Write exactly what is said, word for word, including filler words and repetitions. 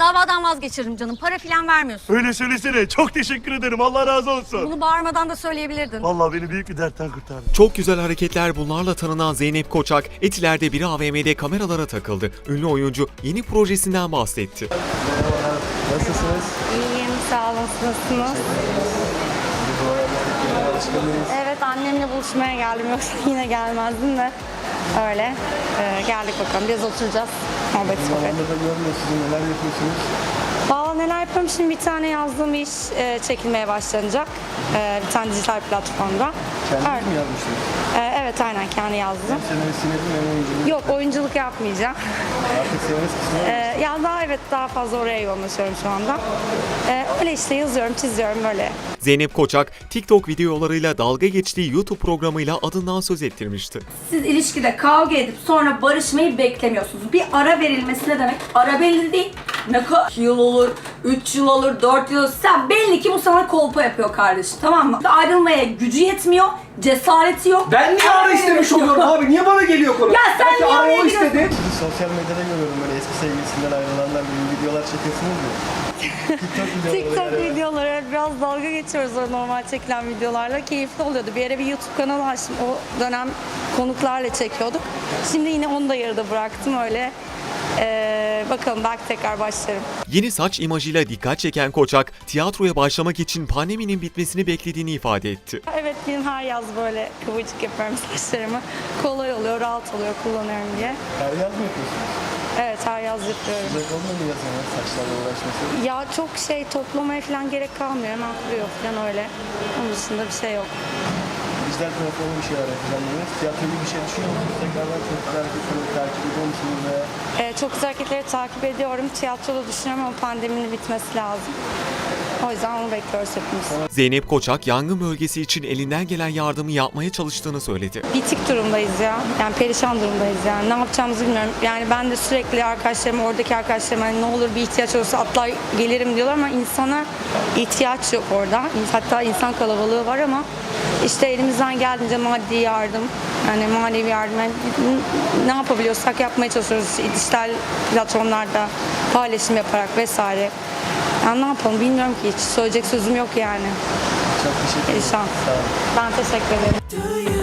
Davadan vazgeçiririm canım. Para filan vermiyorsun. Öyle söylesene. Çok teşekkür ederim. Allah razı olsun. Bunu bağırmadan da söyleyebilirdin. Vallahi beni büyük bir dertten kurtardın. Çok güzel hareketler bunlarla tanınan Zeynep Koçak, Etiler'de bir A V M'de kameralara takıldı. Ünlü oyuncu yeni projesinden bahsetti. Merhabalar. Nasılsınız? İyiyim, sağ olun. Nasılsınız? Evet, annemle buluşmaya geldim. Yoksa yine gelmezdim de. Öyle. Ee, geldik bakalım. Biraz oturacağız. Muhabbet sohbet. Zamanında da görmüyoruz. Siz neler yapıyorsunuz? Valla neler yapıyorum? Şimdi bir tane yazdığım iş e, çekilmeye başlanacak. E, bir tane dijital platformda. Kendiniz Evet. mi yazmıştınız? E, evet, aynen kendi yazdım. Hem senaristini hem oyunculuğu. Yok, oyunculuk yapmayacağım. Artık senarist kısmı var. E, ya daha evet daha fazla oraya yoğunlaşıyorum şu anda. E, öyle işte yazıyorum, çiziyorum böyle. Zeynep Koçak, TikTok videolarıyla dalga geçtiği YouTube programıyla adından söz ettirmişti. Siz ilişkide kavga edip sonra barışmayı beklemiyorsunuz. Bir ara verilmesi ne demek? Ara belli değil. Ne kadar yıl olur, üç yıl olur, dört yıl olur. Sen belli ki bu sana kolpa yapıyor kardeşim, tamam mı? Ayrılmaya gücü yetmiyor, cesareti yok. Ben niye ara istemiş oluyorum abi? Niye bana geliyor konu? Ya sen Belki niye ara oraya o istedi. Sizi sosyal medyada görüyorum böyle eski sevgilisinden ayrılanlar gibi videolar çekiyorsunuz ya. TikTok videoları. TikTok yani. videoları biraz dalga geçiyoruz o normal çekilen videolarla. Keyifli oluyordu. Bir ara bir YouTube kanalı açtım. O dönem konuklarla çekiyorduk. Şimdi yine onu da yarıda bıraktım öyle. Ee, bakalım belki tekrar başlarım. Yeni saç imajıyla dikkat çeken Koçak, tiyatroya başlamak için pandeminin bitmesini beklediğini ifade etti. Evet, benim her yaz böyle kıvırcık yapıyorum saçlarımı. Kolay oluyor, rahat oluyor kullanıyorum diye. Her yaz mı yapıyorsunuz? Evet, her yaz yapıyorum. Zevk olmuyor mu yazın ya saçlarla uğraşması? Ya çok şey toplamaya falan gerek kalmıyor. Hemen kuruyor falan öyle. Onun dışında bir şey yok. Dijital platformda bir şeyler yapacağım dediniz. Tiyatro gibi bir şey düşünüyor musunuz? Tekrardan çok güzel hareketleri takip ediyor musunuz veya? Ee, çok güzel hareketleri takip ediyorum. Tiyatroda düşünüyorum ama pandeminin bitmesi lazım. O yüzden onu bekliyoruz hepimiz. Zeynep Koçak, yangın bölgesi için elinden gelen yardımı yapmaya çalıştığını söyledi. Bitik durumdayız ya. Yani perişan durumdayız yani. Ne yapacağımızı bilmiyorum. Yani ben de sürekli arkadaşlarım, oradaki arkadaşlarım hani ne olur bir ihtiyaç olursa atlar gelirim diyorlar ama insana ihtiyaç yok orada. Hatta insan kalabalığı var ama işte elimizden geldiğince maddi yardım, yani manevi yardım, yani ne yapabiliyorsak yapmaya çalışıyoruz. Dijital platformlarda paylaşım yaparak vesaire. Yani ne yapalım bilmiyorum ki hiç. Söyleyecek sözüm yok yani. Çok teşekkür ederim. Perişan. Sağ olun. Ben teşekkür ederim.